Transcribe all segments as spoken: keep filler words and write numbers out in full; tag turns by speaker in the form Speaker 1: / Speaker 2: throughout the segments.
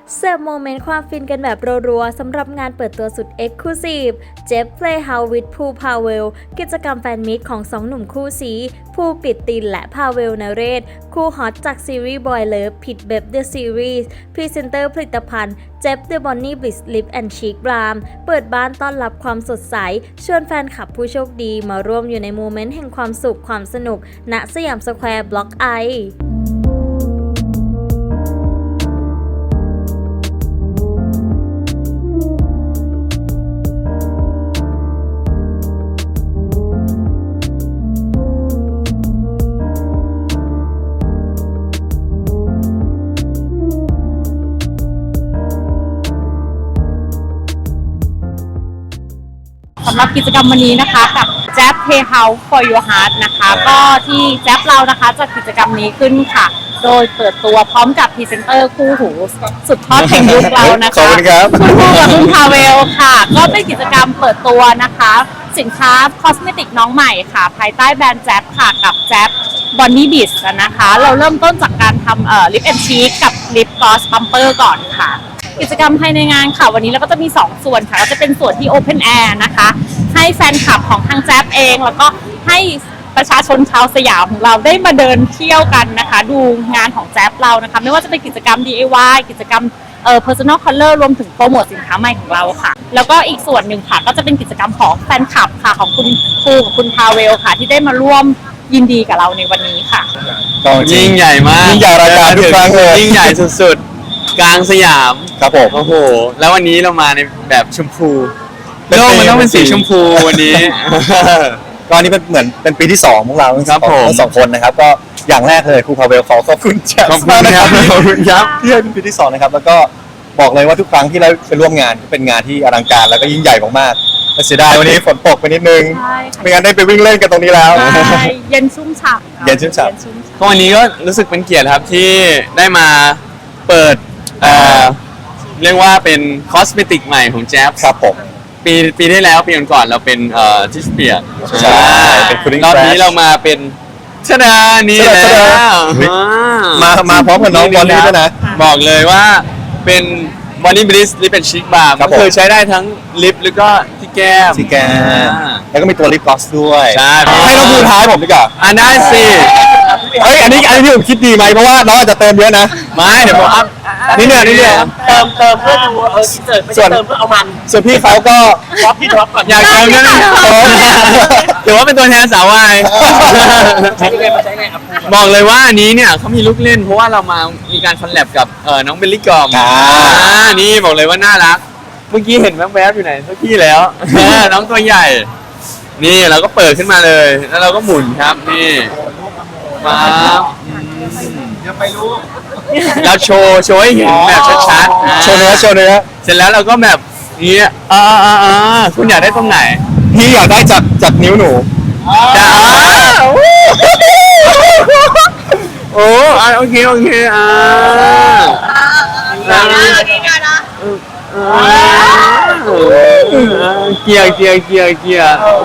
Speaker 1: เสิร์ฟโมเมนต์ความฟินกันแบบรัวๆสำหรับงานเปิดตัวสุด Exclusive Jeff Playhouse with ภูพาเวลกิจกรรมแฟนมิตของสองหนุ่มคู่ซีภูกฤตตินและพาเวลนเรศคู่ฮอตจากซีรีส์ Boy Love ผิดเบบ The Series พรีเซนเตอร์ผลิตภัณฑ์ Jeff The Bonnie Bliss Lip and Cheek Balm เปิดบ้านต้อนรับความสดใสชวนแฟนคลับผู้โชคดีมาร่วมอยู่ในโมเมนต์แห่งความสุขความสนุกณสยามสแควร์บล็อกไอ
Speaker 2: สำหรับกิจกรรมวันนี้นะคะกับ Jeff Playhouse for Your Heart นะคะก็ที่ Jeff เรานะคะจัดกิจกรรมนี้ขึ้นค่ะโดยเปิดตัวพร้อมกับพรีเซนเตอร์คู่หูสุดทอดแห่งยุคเรานะคะ
Speaker 3: ขอบคุณครับ
Speaker 2: คุณคู่กับคุณพาเวลค่ะก็เป็นกิจกรรมเปิดตัวนะคะสินค้าคอสเมติกน้องใหม่ค่ะภายใต้แบรนด์ Jeff ค่ะกับ Jeff Bonnie Bliss นะคะเราเริ่มต้นจากการทำเอ่อ Lip and Cheek กับ Lip Gloss Bumper ก่อนค่ะกิจกรรมภายในงานค่ะวันนี้เราก็จะมีสองส่วนค่ะก็จะเป็นส่วนที่ Open Air นะคะให้แฟนคลับของทางแจ๊บเองแล้วก็ให้ประชาชนชาวสยามของเราได้มาเดินเที่ยวกันนะคะดูงานของแจ๊บเรานะคะไม่ว่าจะเป็นกิจกรรม ดี ไอ วาย กิจกรรมเอ่อ Personal Color รวมถึงโปรโมทสินค้าใหม่ของเราค่ะแล้วก็อีกส่วนหนึ่งค่ะก็จะเป็นกิจกรรมของแฟนคลับค่ะของคุณครูกับคุณพาเวลค่ะที่ได้มาร่วมยินดีกับเราในวันนี้ค่ะ
Speaker 3: ยิ่งใหญ่มาก
Speaker 4: ยิ่งใหญ่ระดับทุกครั้งเลย
Speaker 3: ยิ่งใหญ่สุดๆกลางสยาม
Speaker 4: ครับผม
Speaker 3: โอ้โหแล้ววันนี้เรามาในแบบชมพู
Speaker 4: เป็น
Speaker 3: โลกมันต้องเป็นสี
Speaker 4: เป็นสี
Speaker 3: ชมพูวันนี้
Speaker 4: ก็อันนี้เป็นเหมือนเป็นปีที่สองของเราทั้งส
Speaker 3: ครั
Speaker 4: อบ ง
Speaker 3: ผม
Speaker 4: ทั้งสองคนนะครับก็อย่างแรกเลยครูพาเวลขอขอบคุณแจ๊บ
Speaker 3: ขอบคุณครับขอบคุณครับ
Speaker 4: ที่ให้เป็นปีที่สองนะครับแล้วก็บอกเลยว่าทุกครั้งที่เราไปร่วมงานเป็นงานที่อลังการแล้วก็ยิ่งใหญ่มากๆแต่เสียดายวันนี้ฝนตกไปนิดนึง
Speaker 2: ใช่ค่ะ
Speaker 4: ไม่งั้นได้ไปวิ่งเล่นกันตรงนี้แล้ว
Speaker 2: ใช่เย็นชุ่มฉ่ำค่ะ
Speaker 4: เย็นชุ่มฉ่ำ
Speaker 2: เย็นชุ่มฉ่ำ
Speaker 3: ก็วันนี้ก็รู้สึกเป็นเกียรติครับที่ได้มาเปิดเอ่อเรียกว่าเป็นคอสเมติกใหม่ของแจ๊บ
Speaker 4: ครับผม
Speaker 3: ปีปีที่แล้วปีก่อนๆเราเป็นเอ่อทิสเปียร์
Speaker 4: ใช่เป็น Cooling
Speaker 3: รอบนี้
Speaker 4: Crash
Speaker 3: เรามาเป็นชดานี่
Speaker 4: ช
Speaker 3: แล้
Speaker 4: ดาชดา
Speaker 3: ว
Speaker 4: มามาพร้อมกับน้องบอลลี่ด้วยนะ
Speaker 3: บอกเลยว่าเป็นบอนนี่บลิสลิปเป็นชิคบาร์
Speaker 4: ครั
Speaker 3: ก็
Speaker 4: บผม
Speaker 3: คือใช้ได้ทั้งลิปแล้วก็ที่แก้ม
Speaker 4: สีแก้ม
Speaker 3: อ่า
Speaker 4: แล้วก็มีตัวลิปกลอสด้วย
Speaker 3: ใช่
Speaker 4: ให้น้องภูท้ายผมดีกว่า
Speaker 3: อ่าได้สิ
Speaker 4: เฮ้ยอันนี้อันนี้ที่ผมคิดดีไหมเพราะว่าน้องอาจจะเติมเยอะนะ
Speaker 3: ไม่เดี๋ยวผมอัพ
Speaker 4: นี่เนี่ยนี่เนี่ย
Speaker 5: เติมเติมเพื่อดูเอออินเสิร์ตไม่
Speaker 4: ส่
Speaker 5: ใช่
Speaker 4: วน
Speaker 5: เติมเพื่อเอามัน
Speaker 4: ส่วนพี่เขาก็
Speaker 5: ดรอปพี่ดรอปก่อน
Speaker 3: อยากเติมด้วยนะถือว่าเป็นตัวแทนสาววาย
Speaker 5: ใช้ยังไงมาใช้ยังไงครับ
Speaker 3: บอกเลยว่าอันนี้เนี่ยเขามีลูกเล่นเพราะว่าเรามามีการคอลแลบกับเอ่อน้องเบลลี่กอม
Speaker 4: อ่า
Speaker 3: อ่านี่บอกเลยว่าน่ารัก เมื่อกี้เห็นแวบๆอยู่ไหนสักที่แล้ว น้องตัวใหญ่ นี่เราก็เปิดขึ้นมาเลย แล้วเราก็หมุนครับนี่มาเราโชว์โชว์ให้เห็นแบบชัดๆ
Speaker 4: โชว์เนื้อโชว์เนื้อ
Speaker 3: เสร็จแล้วเราก็แบบนี้อ่าอ่าอ่าคุณอยากได้ตรงไหน
Speaker 4: พี่อยากได้จากจากนิ้วหนู
Speaker 3: จะอ่าโอ้อ่าโอเคโอเคอ่าอ่าเกียร์เกียร์เกียร์เกียร์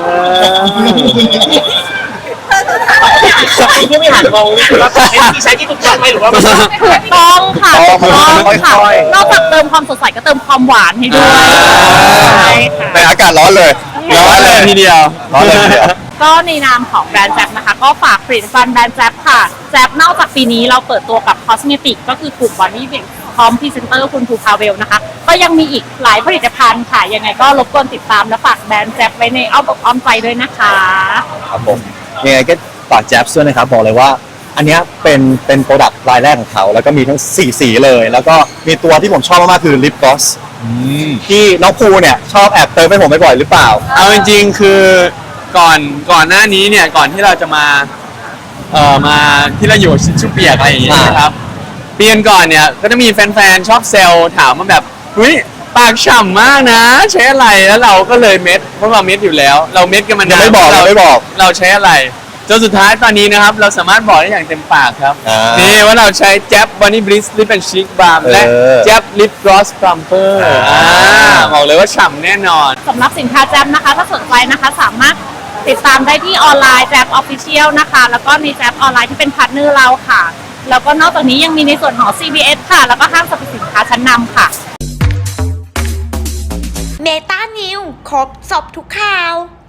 Speaker 5: ที่ไม่หันมองนี่คือว่าเป็นที่ใช้ที่ถูกต้องไหมหรือว่าไม่ใช่
Speaker 2: ถูกต้องค่ะถูกต้องค่ะ
Speaker 4: ค่อยๆ
Speaker 2: นอกจากเติมความสดใสก็เติมความหวานให้ด้วยใช่ค่ะ
Speaker 4: แต่อากาศร้อนเลย
Speaker 3: ร้อนเลยทีเดียว
Speaker 4: ร้อนเลยทีเดียว
Speaker 2: ก็ในนามของแบรนด์แจ๊บนะคะก็ฝากผลิตภัณฑ์แบรนด์แจ๊บค่ะแจ๊บนอกจากปีนี้เราเปิดตัวกับคอสเมติกก็คือกลุ่มบอนนี่เบงพร้อมพรีเซนเตอร์คุณภูพาเวลนะคะก็ยังมีอีกหลายผลิตภัณฑ์ค่ะยังไงก็รบกวนติดตามและฝากแบรนด์แจ๊บไว้ในอ้อมอกอ้อมใจด้วยนะคะ
Speaker 4: ครับผมยังไงก็ฝากแจ๊บด้วยนะครับบอกเลยว่า อันเนี้ยเป็นเป็นโปรดักต์รายแรกของเขาแล้วก็มีทั้งสี่สีเลย แล้วก็มีตัวที่ผมชอบมากๆคือลิปกลอสที่น้องภูเนี่ยชอบแอบเติมให้ผมบ่อยๆหรือเปล่า
Speaker 3: เอาจริงๆคือก่อนก่อนหน้านี้เนี่ยก่อนที่เราจะมาเอ่อมาที่เราอยู่ชิชชูเปียกอะไรอย่างเงี้ยนะครับเปลี่ยนก่อนเนี่ยก็จะมีแฟนๆชอบเซลถามมาแบบเฮ้ยปากฉ่ำมากนะ ใช้อะไรแล้วเราก็เลยเม็ดเพราะเราเม็ดอยู่แล้ว เราเม็ดกันมานาน
Speaker 4: ยังไม่บอก
Speaker 3: เรา
Speaker 4: ยังไม่บอก
Speaker 3: เราใช้อะไรจนสุดท้ายตอนนี้นะครับเราสามารถบอกได้อย่างเต็มปากครับ
Speaker 4: อ่านี่
Speaker 3: นี่ว่าเราใช้แจ๊บ Bonnie Bliss Lip and Cheek Balm และ
Speaker 4: เออ
Speaker 3: แจ๊บ Lip Gloss Plumper
Speaker 4: อ่า
Speaker 3: อ่าบอกเลยว่าฉ่ำแน่นอน
Speaker 2: สำหรับสินค้าแจ๊บนะคะถ้าสนใจนะคะสามารถติดตามได้ที่ออนไลน์แจ๊บออฟฟิเชียลนะคะแล้วก็ในแจ๊บออนไลน์ที่เป็นพาร์ทเนอร์เราค่ะแล้วก็นอกจากนี้ยังมีในส่วนของ ซี บี เอส ค่ะ แล้วก็ห้างสรรพสินค้าชั้นนำค่ะ
Speaker 6: เมตานิวครบสอบทุกข่าว